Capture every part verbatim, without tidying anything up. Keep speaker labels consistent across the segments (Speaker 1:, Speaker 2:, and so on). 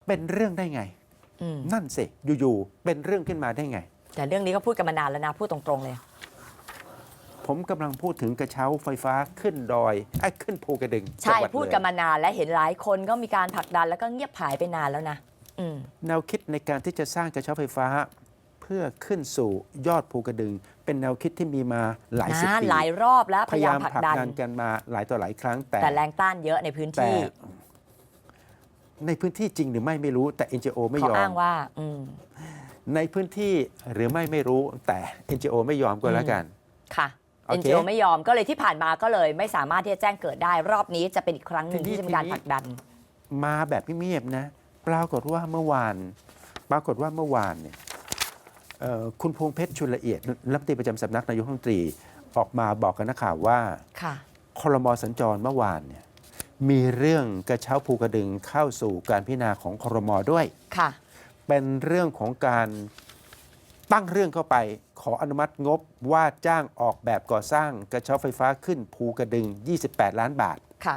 Speaker 1: เป็นเรื่องได้ไงนั่นสิอยู่ๆเป็นเรื่องขึ้นมาได้ไง
Speaker 2: แต่เรื่องนี้ก็พูดกันมานานแล้วนะพูดตรงๆเลย
Speaker 1: ผมกำลังพูดถึงกระเช้าไฟฟ้าขึ้นดอยไอ้ขึ้นภูกระดึง
Speaker 2: ใช่พูดกันมานานและเห็นหลายคนก็มีการผลักดันแล้วก็เงียบหายไปนานแล้วนะ
Speaker 1: แนวคิดในการที่จะสร้างกระเช้าไฟฟ้าเพื่อขึ้นสู่ยอดภูกระดึงเป็นแนวคิดที่มีมาหลายสิบปี
Speaker 2: หลายรอบแล้วพยายามผลักดัน
Speaker 1: กันมาหลายต่อหลายครั้งแต่
Speaker 2: แต่แรงต้านเยอะในพื้นที่
Speaker 1: ในพื้นที่จริงหรือไม่ไม่รู้แต่ เอ็น จี โอ ไม่ยอม
Speaker 2: เขาอ้างว่า
Speaker 1: ในพื้นที่หรือไม่ไม่รู้แต่ เอ็น จี โอ ไม่ยอมก็แล้วกัน
Speaker 2: ค่ะ เอ็น จี โอ ไม่ยอมก็เลยที่ผ่านมาก็เลยไม่สามารถที่จะแจ้งเกิดได้รอบนี้จะเป็นอีกครั้งหนึ่งที่จะมีการผลักดัน
Speaker 1: มาแบบเงียบๆนะปรากฏว่าเมื่อวานปรากฏว่าเมื่อวานเนี่ยคุณพวงเพชรชุนละเอียดรัฐมนตรีประจำสำนักนายกรัฐมนตรีออกมาบอกกับนักข่าวว่าครม.สัญจรเมื่อวานเนี่ยมีเรื่องกระเช้าภูกระดึงเข้าสู่การพิจารณาของครม.ด้วย
Speaker 2: ค่ะ
Speaker 1: เป็นเรื่องของการตั้งเรื่องเข้าไปขออนุมัติงบว่าจ้างออกแบบก่อสร้างกระเช้าไฟฟ้าขึ้นภูกระดึงยี่สิบแปดล้านบาท
Speaker 2: ค่ะ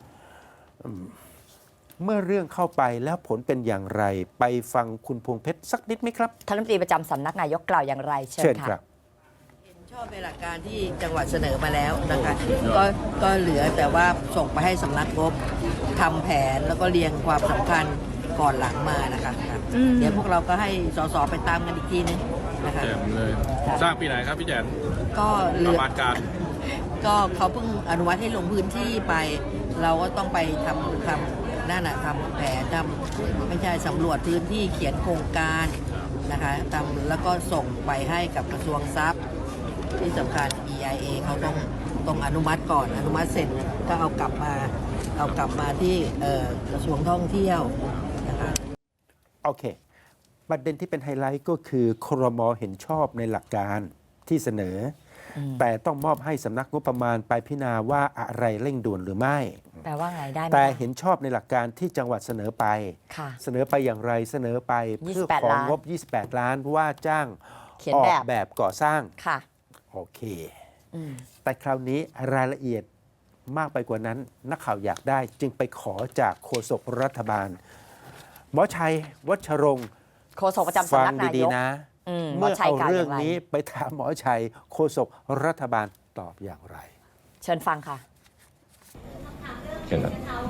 Speaker 1: เมื่อเรื่องเข้าไปแล้วผลเป็นอย่างไรไปฟังคุณพวงเพชรสักนิดไหมครับ
Speaker 2: ท่านรัฐมนตรีประจำสำนักนายกกล่าวอย่างไรเชิญค่ะ
Speaker 3: เห็นชอบในหลักการที่จังหวัดเสนอมาแล้วนะคะก็ก็เหลือแต่ว่าส่งไปให้สำนักงบทำแผนแล้วก็เรียงความสำคัญก่อนหลังมานะคะเดี๋ยวพวกเราก็ให้สสไปตามกันอีกทีนึงนะคะ
Speaker 4: แจมเลยสร้างปีไหนครับพี่แจม
Speaker 3: ก็
Speaker 4: ประมาณการ
Speaker 3: ก็เขาเพิ่งอนุมัติให้ลงพื้นที่ไปเราก็ต้องไปทำทำนั่นนะทำแผนทำไม่ใช่สำรวจพื้นที่เขียนโครงการนะคะทำแล้วก็ส่งไปให้กับกระทรวงทรัพย์ที่สำคัญ อี ไอ เอ เขาต้องต้องอนุมัติก่อนอนุมัติเสร็จก็เอากลับมาเอากลับมาที่กระทรวงท่องเที่ยวนะคะ
Speaker 1: โอเคประเด็นที่เป็นไฮไลท์ก็คือครม.เห็นชอบในหลักการที่เสนอแต่ต้องมอบให้สำนักงบประมาณไปพิจารณาว่าอะไรเร่งด่วนหรือไม่
Speaker 2: แปลว่าไงได้ไหม
Speaker 1: แต่เห็นชอบในหลักการที่จังหวัดเสนอไปเสนอไปอย่างไรเสนอไปเพื่อของงบยี่สิบแปดล้านว่าจ้างออกแบบก่อสร้าง
Speaker 2: ค่ะ
Speaker 1: โอเคแต่คราวนี้รายละเอียดมากไปกว่านั้นนักข่าวอยากได้จึงไปขอจากโฆษกรัฐบาลหมอชัยวัชรงค์
Speaker 2: โฆษกประจำสำนักนายก
Speaker 1: นะเมื่อเอาเรื่องนี้ไปถามหมอชัยโฆษกรัฐบาลตอบอย่างไร
Speaker 2: เชิญฟังค่ะ
Speaker 5: เชิญครับ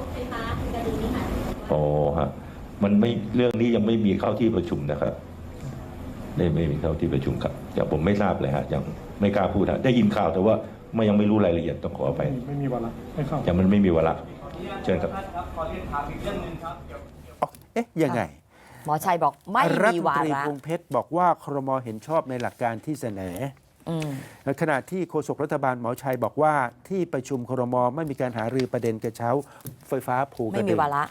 Speaker 5: โอ้ฮะมันไม่เรื่องนี้ยังไม่มีเข้าที่ประชุมนะครับได้ไม่มีเข้าที่ประชุมครับอย่างผมไม่ทราบเลยฮะยังไม่กล้าพูดฮะได้ยินข่าวแต่ว่าไม่ยังไม่รู้รายละเอียดต้องขอไป
Speaker 4: ไม่มีวาระไม่เข้า
Speaker 5: อย่างมันไม่มีวาระเชิญครับ
Speaker 4: ขอเรียนถามอีกเรื่องนึงครับ
Speaker 1: เอ๊ะยังไง
Speaker 2: หมอชัยบอกไม่มีวาระรัฐมนตรี
Speaker 1: พวงเพชรบอกว่าครม.เห็นชอบในหลักการที่เสนอขณะที่โฆษกรัฐบาลหมอชัยบอกว่าที่ประชุมครม.ไม่มีการหารือประเด็นกระเช้าไฟฟ้าภูกระดึง
Speaker 2: ไม่มีวาระ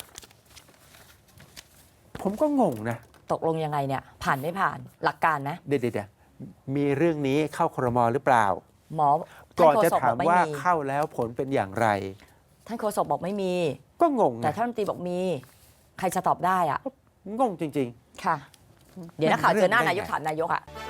Speaker 1: ผมก็งงนะ
Speaker 2: ตกลงยังไงเนี่ยผ่านไม่ผ่านหลักการนะ
Speaker 1: เดี๋ยวๆมีเรื่องนี้เข้าครม.หรือเปล่า
Speaker 2: หมอ
Speaker 1: ก่อนจะถามว่าเข้าแล้วผลเป็นอย่างไร
Speaker 2: ท่านโฆษกบอกไม่มี
Speaker 1: ก็งง
Speaker 2: แต่ท่านรัฐมนตรีบอกมีใครจะตอบได้อ่ะ
Speaker 1: งงจริง
Speaker 2: ๆค่ะเดี๋ยวนักข่าวเจอหน้านายกถามนายกอ่ะ